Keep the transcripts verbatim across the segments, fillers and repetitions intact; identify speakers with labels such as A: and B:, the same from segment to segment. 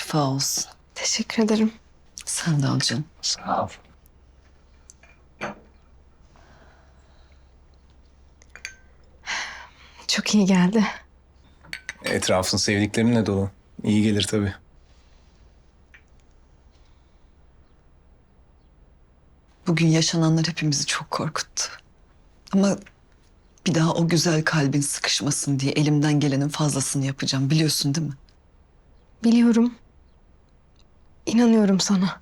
A: şifa olsun.
B: Teşekkür ederim.
A: Sen de al canım.
C: Sağ ol.
B: Çok iyi geldi.
C: Etrafın sevdiklerinle dolu. İyi gelir tabii.
A: Bugün yaşananlar hepimizi çok korkuttu. Ama bir daha o güzel kalbin sıkışmasın diye elimden gelenin fazlasını yapacağım. Biliyorsun değil mi?
B: Biliyorum. İnanıyorum sana.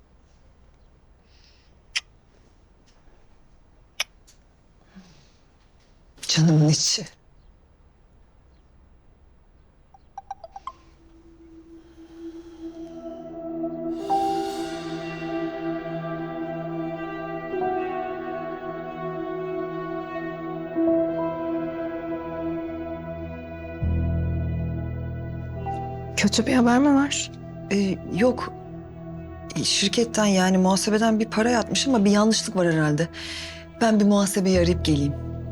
A: Canımın içi.
B: Kötü bir haber mi var?
A: Ee, yok. Ee, Şirketten yani muhasebeden bir para yatmış ama bir yanlışlık var herhalde. Ben bir muhasebeyi arayıp geleyim.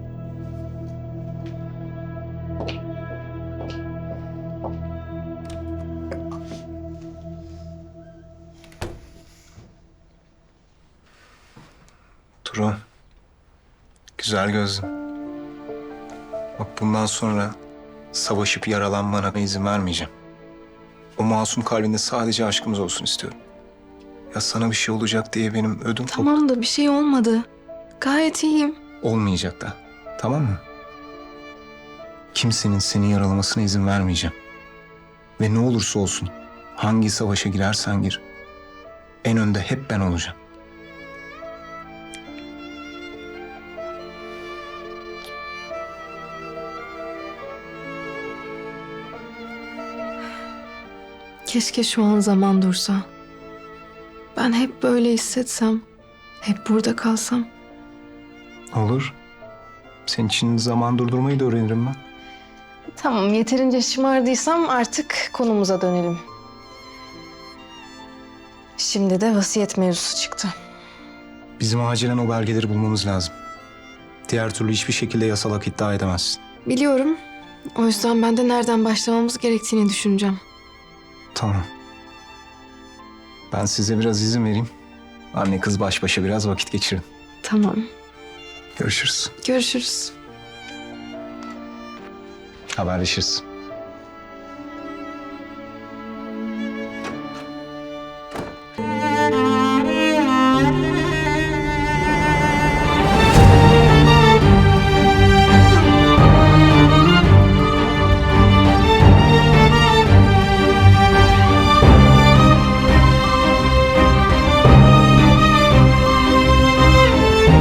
C: Duru. Güzel gözlüm. Bak bundan sonra savaşıp yaralanmana izin vermeyeceğim. O masum kalbinde sadece aşkımız olsun istiyorum. Ya sana bir şey olacak diye benim ödüm koptu.
B: Tamam da bir şey olmadı. Gayet iyiyim.
C: Olmayacak da. Tamam mı? Kimsenin seni yaralamasına izin vermeyeceğim. Ve ne olursa olsun hangi savaşa girersen gir, en önde hep ben olacağım.
B: Keşke şu an zaman dursa. Ben hep böyle hissetsem, hep burada kalsam.
C: Olur. Senin için zaman durdurmayı da öğrenirim ben.
B: Tamam, yeterince şımardıysam artık konumuza dönelim. Şimdi de vasiyet mevzusu çıktı.
C: Bizim acilen o belgeleri bulmamız lazım. Diğer türlü hiçbir şekilde yasal hak iddia edemezsin.
B: Biliyorum. O yüzden ben de nereden başlamamız gerektiğini düşüneceğim.
C: Tamam. Ben size biraz izin vereyim. Anne kız baş başa biraz vakit geçirin.
B: Tamam.
C: Görüşürüz.
B: Görüşürüz.
C: Haberleşiriz.